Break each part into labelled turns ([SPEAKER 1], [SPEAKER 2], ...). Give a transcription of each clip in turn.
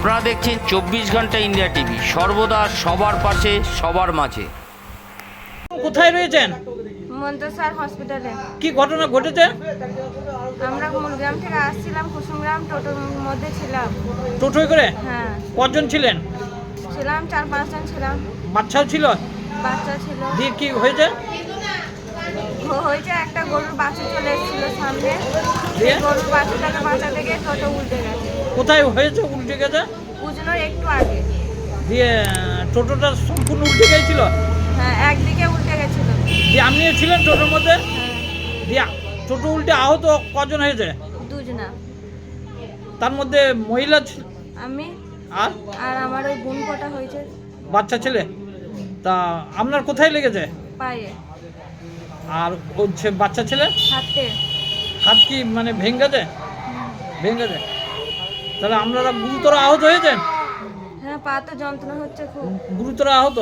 [SPEAKER 1] আপনারা দেখছেন 24 ঘন্টা ইন্ডিয়া টিভি, সর্বদা সবার পাশে সবার মাঝে।
[SPEAKER 2] কোথায় রয়েছেন?
[SPEAKER 3] মন্তসর হসপিটালে।
[SPEAKER 2] কি ঘটনা ঘটেছে?
[SPEAKER 3] আমরা মূলগ্রাম থেকে আসছিলাম, কুসুমগ্রাম টোটোর মধ্যে ছিলাম।
[SPEAKER 2] টোটোয় করে?
[SPEAKER 3] হ্যাঁ,
[SPEAKER 2] কজন ছিলেন?
[SPEAKER 3] ছিলাম 4-5 জন ছিলাম।
[SPEAKER 2] বাচ্চাও ছিল?
[SPEAKER 3] বাচ্চা ছিল।
[SPEAKER 2] দিয়ে কি হয়েছে?
[SPEAKER 3] হয়েছে একটা গরুর বাছুর চলে এসেছিল সামনে,
[SPEAKER 2] দিয়ে?
[SPEAKER 3] গরুর বাছুরটাকে বাঁচাতে গিয়ে টোটো উল্টে গেছে।
[SPEAKER 2] কোথায় হয়েছে উল্টে গেছে?
[SPEAKER 3] উজনোর একটু আগে।
[SPEAKER 2] দিয়ে টোটোটা সম্পূর্ণ উল্টে গিয়েছিল?
[SPEAKER 3] হ্যাঁ, একদিকে উল্টে গেছিল।
[SPEAKER 2] দিয়ে আপনিও ছিলেন টোটোর মধ্যে?
[SPEAKER 3] হ্যাঁ,
[SPEAKER 2] দিয়ে টোটো উল্টে আহত কজন হয়েছে?
[SPEAKER 3] দুজনা।
[SPEAKER 2] তার মধ্যে মহিলা
[SPEAKER 3] আমি
[SPEAKER 2] আর
[SPEAKER 3] আর আমার ওই বোন কটা হয়েছে
[SPEAKER 2] বাচ্চা ছেলে। তা আপনার কোথায় লেগেছে?
[SPEAKER 3] পায়ে,
[SPEAKER 2] আর হচ্ছে বাচ্চা ছেলে
[SPEAKER 3] হাতে।
[SPEAKER 2] হাত কি মানে ভেঙেছে? ভেঙেছে। তাহলে আপনারা গুরুতর আহত হয়েছেন?
[SPEAKER 3] হ্যাঁ, পা তো যন্ত্রণা হচ্ছে খুব।
[SPEAKER 2] গুরুতর আহত?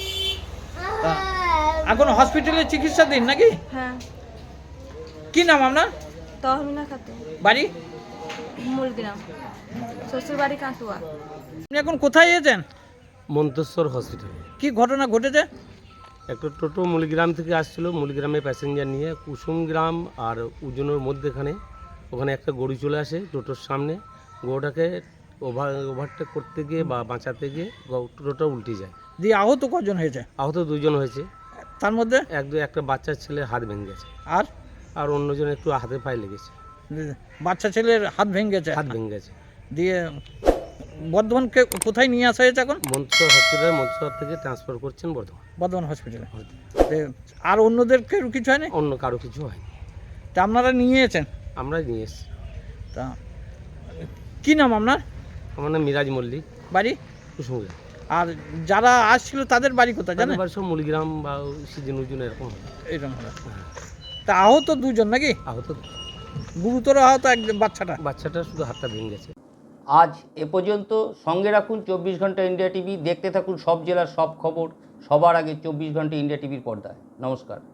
[SPEAKER 2] তা এখন হসপিটালে চিকিৎসা দিন নাকি?
[SPEAKER 3] হ্যাঁ,
[SPEAKER 2] কি নাম আপনার?
[SPEAKER 3] তহমিনা খাতুন,
[SPEAKER 2] বাড়ি?
[SPEAKER 3] মূলগ্রাম, শ্বশুর বাড়ি কাঁটুয়া।
[SPEAKER 2] আপনি এখন কোথায় এসেছেন?
[SPEAKER 4] মন্তেশ্বর হসপিটালে।
[SPEAKER 2] কি ঘটনা ঘটেছে?
[SPEAKER 4] একটা টোটো মুলিগ্রাম থেকে আসছিল, মুলিগ্রামে প্যাসেঞ্জার নিয়ে কুসুমগ্রাম আর উজনোর মধ্যেখানে ওখানে একটা গরু চলে আসে টোটোর সামনে। গরুটাকে ওভারটেক করতে গিয়ে বা বাঁচাতে গিয়ে টোটোটা উল্টে যায়।
[SPEAKER 2] দিয়ে আহত কজন হয়েছে?
[SPEAKER 4] আহত দুজন হয়েছে।
[SPEAKER 2] তার মধ্যে
[SPEAKER 4] একটা বাচ্চা ছেলের হাত ভেঙে গেছে,
[SPEAKER 2] আর
[SPEAKER 4] আর অন্যজন একটু হাতে পায়ে লেগেছে।
[SPEAKER 2] বাচ্চা ছেলের হাত ভেঙে গেছে।
[SPEAKER 4] হাত ভেঙে গেছে।
[SPEAKER 2] দিয়ে বর্ধমানকে কোথায় নিয়ে আসা হয়েছে এখন?
[SPEAKER 4] মন্তেশ্বর হসপিটালে, মন্তেশ্বর থেকে ট্রান্সফার করছেন
[SPEAKER 2] বর্ধমান হসপিটালে। আর অন্যদেরকে কিছু হয়নি?
[SPEAKER 4] অন্য কারো কিছু হয়নি।
[SPEAKER 2] তা আপনারা নিয়ে এসেছেন?
[SPEAKER 4] আমরা নিয়ে এসেছি।
[SPEAKER 2] তা কি নাম আপনার?
[SPEAKER 4] আমার নাম মিরাজ মল্লিক,
[SPEAKER 2] বাড়ি?
[SPEAKER 4] কুসুমগ্রাম।
[SPEAKER 2] আর যারা আসছিল তাদের বাড়ি কোথায় জানেন?
[SPEAKER 4] তাদের সব মুলিগ্রাম বা সিজন উজন এরকম।
[SPEAKER 2] এরকম হলো। তা আহত দুজন নাকি?
[SPEAKER 4] আহত
[SPEAKER 2] গুরুতর আহত এক
[SPEAKER 4] বাচ্চাটা শুধু হাতটা ভেঙে গেছে।
[SPEAKER 1] আজ এ পর্যন্ত। সঙ্গে রাখুন 24 ঘন্টা ইন্ডিয়া টিভি, দেখতে থাকুন সব জেলার সব খবর সবার আগে 24 ঘন্টা ইন্ডিয়া টিভির পর্দায়। নমস্কার।